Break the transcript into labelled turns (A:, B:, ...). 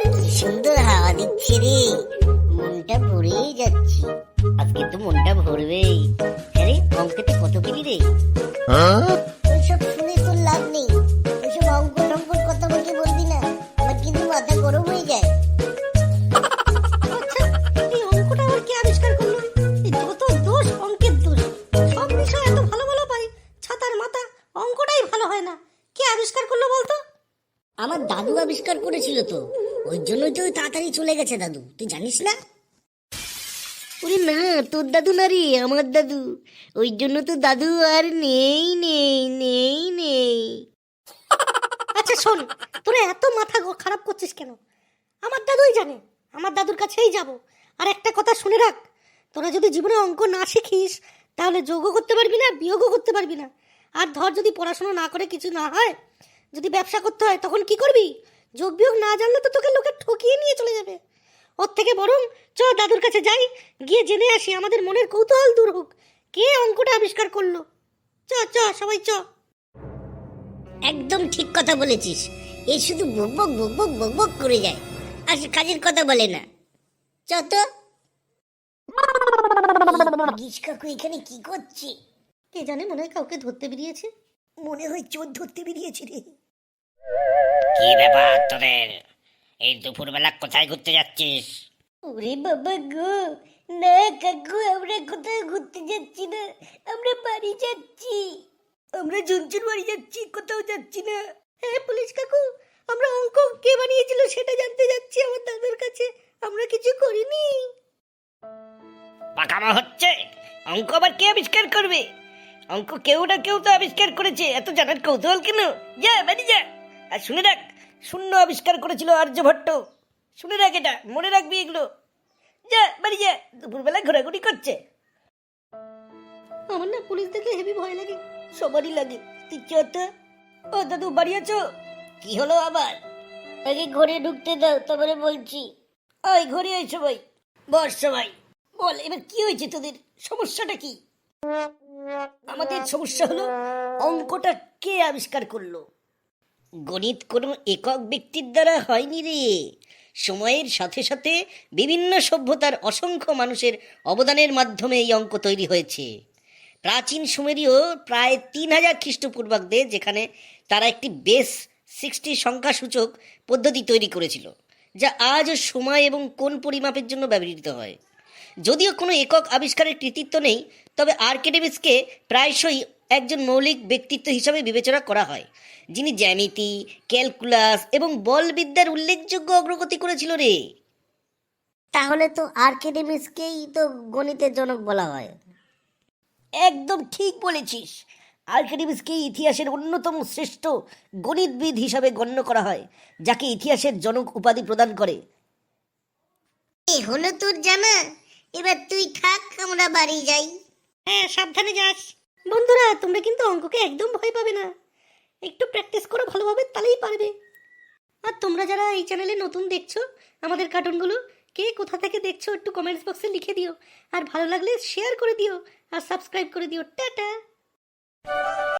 A: কি সুন্দর হাওয়া দিচ্ছে রে, মনটা ভরেই যাচ্ছে। আজকে তো মনটা ভরবেই। আরে অঙ্কেতে কত পেলি রে? ওইসব শুনে তোর লাভ নেই। ওইসব অঙ্ক টঙ্কর কথা আমাকে বলবি না, আমার কিন্তু মাথা গরম হয়ে যায়।
B: আচ্ছা, এই অঙ্কটা আবার কে আবিষ্কার করলো? এই যত দোষ অঙ্কের দোষ। সব বিষয় এত ভালো ভালো পাই, ছাতার মাথা অঙ্কটাই ভালো হয় না। কে আবিষ্কার করলো বলতো?
A: আমার দাদু আবিষ্কার করেছিল তো, ওই জন্যই তো তাড়াতাড়ি চলে গেছে দাদু, তুই জানিস না? ওরে না, তোর দাদু না রে, আমার দাদু। ওই জন্য তো দাদু আর নেই নেই নেই নেই।
B: আচ্ছা শোন, তোরা এত মাথা খারাপ করছিস কেন? আমার দাদুই জানে, আমার দাদুর কাছেই যাব। আর একটা কথা শুনে রাখ, তোরা যদি জীবনে অঙ্ক না শিখিস তাহলে যোগও করতে পারবি না, বিয়োগও করতে পারবি না। আর ধর যদি পড়াশোনা না করে কিছু না হয়, যদি ব্যবসা করতে হয় তখন কি করবি? যোগ বিয়োগ না জানলে তো তোকে লোকে ঠকিয়ে নিয়ে চলে যাবে। ওর থেকে বরং চ দাদুর কাছে যাই, গিয়ে জেনে আসি, আমাদের মনের কৌতূহল দূর হোক, কে অঙ্কটা আবিষ্কার করলো। চ চ সবাই চ।
A: একদম ঠিক কথা বলেছিস। এ শুধু বকবক বকবক বকবক করে যায়, আর কাজের কথা বলে না। চ তো। গিস কাকু এখানে কি করছে?
B: কে জানে, মনে হয় কাউকে ধরতে বেরিয়েছে।
A: মনে হয় চোর ধরতে বেরিয়েছে রে।
C: কি ব্যাপার তোদের? এই দুপুরবেলা কোথায় ঘুরতে যাচ্ছিস?
A: ওরে বাবা গো, না কাকু, আমরা কোথাও ঘুরতে যাচ্ছি না, আমরা বাড়ি যাচ্ছি। আমরা ঝুনঝুন বাড়ি যাচ্ছি, কোথাও যাচ্ছি না।
B: হ্যাঁ পুলিশ কাকু, আমরা অঙ্ক কে বানিয়েছিল সেটা জানতে যাচ্ছি আমার দাদুর কাছে, আমরা কিছু করিনি।
C: পাকামো হচ্ছে? অঙ্ক আবার কে আবিষ্কার করবে? অঙ্ক কেউ না কেউ তো আবিষ্কার করেছে, এত জানার কৌতূহল কেন? যা বাড়ি যা। আর শুনে রাখ, শূন্য আবিষ্কার করেছিল আর্যভট্ট। শুনে রাখ, এটা মনে রাখবি এগুলো। যা বাড়ি যা, দুপুরবেলা ঘোরাঘুরি করছে।
B: আমার না পুলিশ দেখলে হেভি ভয় লাগে।
A: সবারই লাগে। তুই চ তো।
C: ও দাদু বাড়ি আছো?
A: কি হলো আবার? আগে ঘরে ঢুকতে দাও, তারপরে বলছি।
C: ওই ঘরে আয় সবাই, বস সবাই। বল এবার কি হয়েছে তোদের, সমস্যাটা কি? আমাদের সমস্যা হলো অঙ্কটা কে আবিষ্কার করলো। গণিত কোনো একক ব্যক্তির দ্বারা হয়নি রে। সময়ের সাথে সাথে বিভিন্ন সভ্যতার অসংখ্য মানুষের অবদানের মাধ্যমে এই অঙ্ক তৈরি হয়েছে। প্রাচীন সুমেরীয় প্রায় 3000 খ্রিস্টপূর্বাব্দে, যেখানে তারা একটি বেস 60 সংখ্যাসূচক পদ্ধতি তৈরি করেছিল, যা আজও সময় এবং কোণ পরিমাপের জন্য ব্যবহৃত হয়। যদিও কোনো একক আবিষ্কারের কৃতিত্ব নেই, তবে আর্কিমিডিসকে প্রায়শই একজন মৌলিক ব্যক্তিত্ব হিসাবে বিবেচনা করা হয়, যিনি জ্যামিতি, ক্যালকুলাস এবং বলবিদ্যার উল্লেখযোগ্য অগ্রগতি করেছিল রে।
A: তাহলে তো আর্কিমিডিসকেই তো গণিতের জনক বলা হয়।
C: একদম ঠিক বলেছিস। আর্কিমিডিসকে ইতিহাসের অন্যতম শ্রেষ্ঠ গণিতবিদ হিসাবে গণ্য করা হয়, যাকে ইতিহাসের জনক উপাধি প্রদান করে।
A: এ হলো তোর জানা, এবার তুই থাক, আমরা বাড়ি যাই।
B: হ্যাঁ সাবধানে যাস। বন্ধুরা, তোমরা কিন্তু অঙ্ককে একদম ভয় পাবে না, একটু প্র্যাকটিস করো ভালোভাবে, তাহলেই পারবে। আর তোমরা যারা এই চ্যানেলে নতুন দেখছো আমাদের কার্টুনগুলো, কে কোথা থেকে দেখছো একটু কমেন্টস বক্সে লিখে দিও। আর ভালো লাগলে শেয়ার করে দিও, আর সাবস্ক্রাইব করে দিও। টাটা।